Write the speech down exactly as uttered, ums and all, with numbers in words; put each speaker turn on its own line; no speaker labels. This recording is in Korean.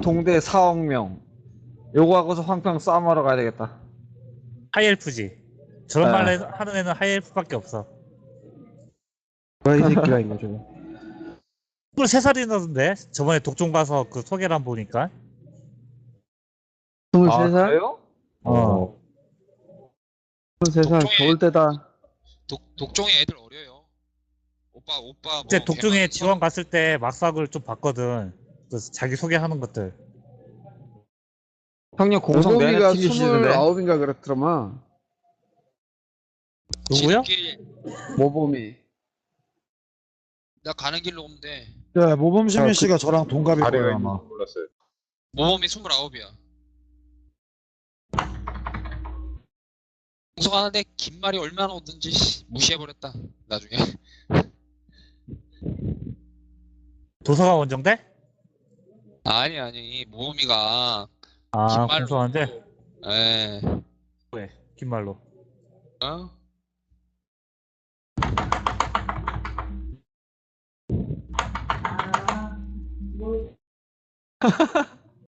동대 사억 명. 요거 하고서 황평 싸움하러 가야 되겠다.
하이엘프지. 저런
네.
말 해- 하는 애는 하이엘프밖에 없어.
뭐야 이 새끼가 이거 좀.
스물세 살이나던데? 저번에 독종 가서 그 소개란 보니까.
아,
스물세 살?
그래요?
어.
스물세 살
독종에-
좋을 때다.
독, 독종의 애들 어려요. 오빠 오빠 뭐
이제 독종에
걔만
지원 갔을 때 막삭을 좀 봤거든. 그래서 자기 소개하는 것들.
형님 공성 내내
모범이가
튀기시던데.
스물아홉인가 그렇더만.
누구요?
지름길
모범이.
나 가는 길로 오면 돼.
네, 모범시민
아, 그-
씨가 저랑 동갑일
아래가
거예요,
있는
아마.
줄 몰랐어요.
모범이 스물아홉이야. 공성하는데 긴 말이 얼마나 오든지 씨, 무시해버렸다. 나중에.
도서관 원정대?
아니 아니 모범이가
아,
긴말로
공소한데?
에
왜? 긴 말로.
어?